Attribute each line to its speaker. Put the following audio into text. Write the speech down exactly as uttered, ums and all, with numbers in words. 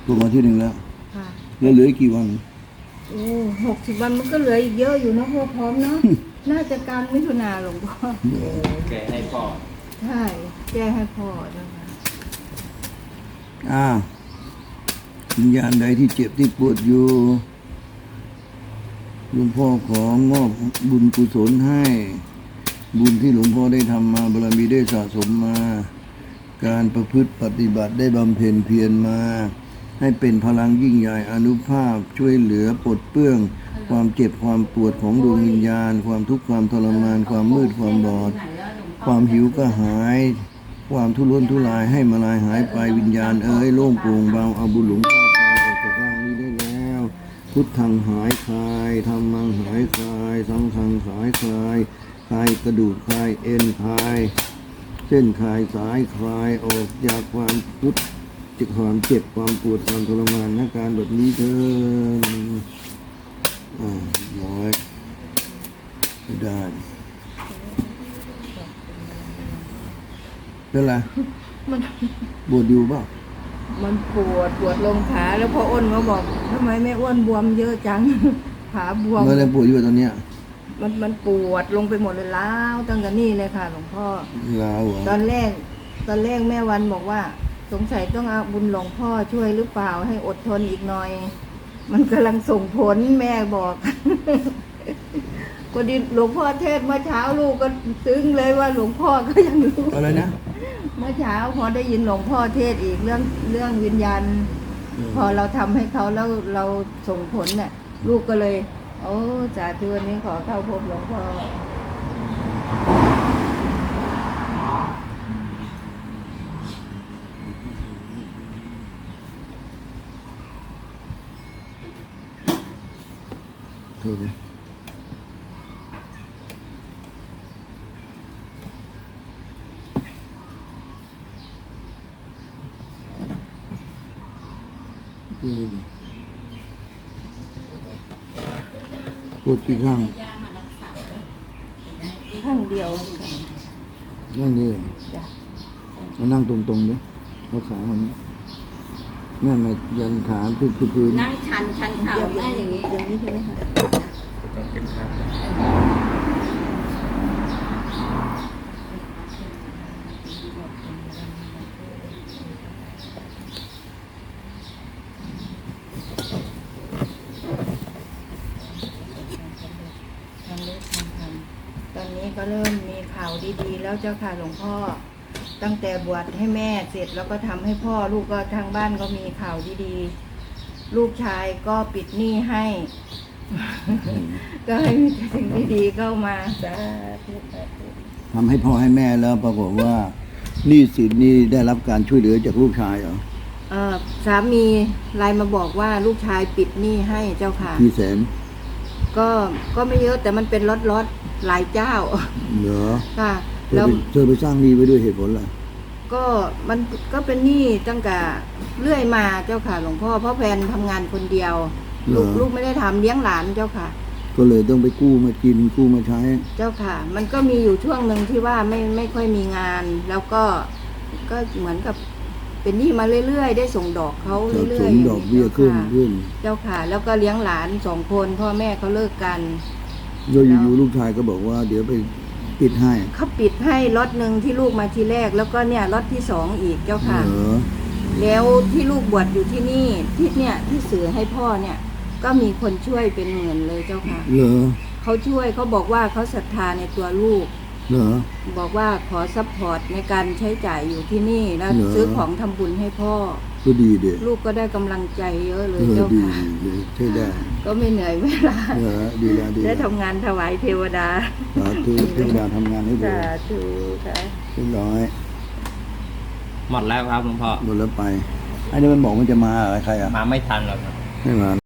Speaker 1: ถูกมาที่หนึ่งแล้ว
Speaker 2: ค่ะ
Speaker 1: แล้วเหลืออีกกี่วัน
Speaker 2: โอ้หกสิบวันมันก็เหลืออีกเยอะอยู่นะพ่อพร้อมเนาะ น่าจะกลางมิถุนาหลวงพ่อ
Speaker 3: แกให้พ่อ
Speaker 2: ใช่แก้ให้พ่อนะคะ
Speaker 1: อ่าวิญญาณใดที่เจ็บที่ปวดอยู่หลวงพ่อของมอบบุญกุศลให้ บุญที่หลวงพ่อได้ทำมาบารมีได้สะสมมา การประพฤติปฏิบัติได้บำเพ็ญเพียรมา ให้เป็นพลังยิ่งใหญ่อานุภาพช่วยเหลือปลดเปลื้องความเจ็บความปวดของดวงวิญญาณ ความทุกข์ความทรมานความมืดความบอดความหิวก็หายความทุรนทุรายให้มาลายหายไปวิญญาณเอ้ยโล่งโปร่งเบาเอาบุญหลวงพ่อไปออกจากร่างนี้ได้แล้วพุทธังหายคลายธรรมังหายคลายสังฆังหายคลายคลายกระดูกคลายเอ็นคลายเส้นคลายสายคลายออกจากความทุกข์จากความเจ็บความปวดความทรมานอาการแบบนี้เถิดอ่าร้อยไม่ได้เป็นไร
Speaker 2: มัน
Speaker 1: ปวดอยู่เปล่า
Speaker 2: มันปวดปวดลงขาแล้วพ่ออ้นเขาบอกทำไมแม่อ้วนบวมเยอะจัง ขาบวม
Speaker 1: เมื่อไรปวดอยู่ตอนเนี้ย
Speaker 2: มันมันปวดลงไปหมดเลยล้าวตั้งแต่นี่เลยค่ะหลวงพ่อ
Speaker 1: ล้าวเหรอ
Speaker 2: ตอนแรกตอนแรกแม่วันบอกว่าสงสัยต้องเอาบุญหลวงพ่อช่วยหรือเปล่าให้อดทนอีกหน่อยมันกำลังส่งผลแม่บอกพอดีหลวงพ่อเทศเมื่อเช้าลูกก็ซึ้งเลยว่าหลวงพ่อก็ยังรู้
Speaker 1: อะไรนะ
Speaker 2: เมื่อเช้าพอได้ยินหลวงพ่อเทศอีกเรื่องเรื่องวิญญาณพอเราทำให้เขาแล้วเราส่งผลเนี่ยลูกก็เลยโอ้สาธุวันนี้ขอเข้าพบหลวงพ่อ
Speaker 1: โทษดิปวดกี่ข้าง
Speaker 2: ข้างเดียว
Speaker 1: นั่งนี่มานั่งตรงๆดิเอาขามันนั่นมายันขาพื้นพื้น
Speaker 4: นั่งชันชันเข่าได้อย่างนี้
Speaker 2: อย่างนี้ใช่ไหมคะ
Speaker 3: ต้องเก็บข้าง
Speaker 2: ตอนนี้ก็เริ่มมีข่าวดีๆแล้วเจ้าค่ะหลวงพ่อตั้งแต่บวชให้แม่เสร็จแล้วก็ทำให้พ่อลูกก็ทางบ้านก็มีข่าวดีๆลูกชายก็ปิดหนี้ให้ ก็ให้มีสิ่งดีๆเข้ามาสาธุสาธุ
Speaker 1: ทำให้พ่อให้แม่แล้วปรากฏว่าหนี้สินนี่ได้รับการช่วยเหลือจากลูกชายเหรอ
Speaker 2: เออสามีไลน์มาบอกว่าลูกชายปิดหนี้ให้เจ้าค่ะ
Speaker 1: กี่แสน
Speaker 2: ก็ก็ไม่เยอะแต่มันเป็นล็อตๆหลายเจ้า
Speaker 1: เหรอ
Speaker 2: ค่ะ
Speaker 1: แล้วเธอไปสร้างหนี้ไว้ด้วยเหตุผลอะไร
Speaker 2: ก็มันก็เป็นหนี้ตั้งแต่เรื่อยมาเจ้าค่ะหลวงพ่อเพราะแฟนทำงานคนเดียวลูกลูกไม่ได้ทำเลี้ยงหลานเจ้าค่ะ
Speaker 1: ก็เลยต้องไปกู้มากินกู้มาใช้
Speaker 2: เจ้าค่ะมันก็มีอยู่ช่วงหนึ่งที่ว่าไม่ไม่ค่อยมีงานแล้วก็ก็เหมือนกับเป็นหนี้มาเรื่อยๆได้ส่งดอกเขาเรื่อยๆส่ง
Speaker 1: ดอกเบี้ยขึ้นขึ้น
Speaker 2: เจ้าค่ะแล้วก็เลี้ยงหลานสองคนพ่อแม่เขาเลิกกัน
Speaker 1: โดยอยู่ลูกชายก็บอกว่าเดี๋ยวไปปิดให้
Speaker 2: เขาปิดให้ล็อตหนึ่งที่ลูกมาทีแรกแล้วก็เนี่ยล็อตที่สองอีกเจ้าค่ะแล้วที่ลูกบวชอยู่ที่นี่ที่เนี่ยที่สื่อให้พ่อเนี่ยก็มีคนช่วยเป็นหมื่นเลยเจ้าค่ะ
Speaker 1: เหรอ
Speaker 2: เขาช่วยเขาบอกว่าเขาศรัทธาในตัวลูก
Speaker 1: เหรอ
Speaker 2: บอกว่าขอซัพพอร์ตในการใช้จ่ายอยู่ที่นี่แล้วซื้อของทำบุญให้พ่อ
Speaker 1: ก็ดีเด็ก
Speaker 2: ลูกก็ได้กำลังใจเยอะเลยเจ้าค่ะ
Speaker 1: ใช่ได้
Speaker 2: ก็ไม่เหนื่อยเวลา
Speaker 1: ดีแล้วดี
Speaker 2: ได้ทำงานถวายเทวดา
Speaker 1: สาธุเทวดาทำงานให้ดู
Speaker 2: สาธุค่ะ
Speaker 1: เรียบร้อย
Speaker 3: หมดแล้วครับหลวงพ่อ
Speaker 1: หมดแล้วไปไอ้นี่มันบอกมันจะมาอะไรใครอ่ะ
Speaker 3: มาไม่ทันหรอกครับ
Speaker 1: ไม่มา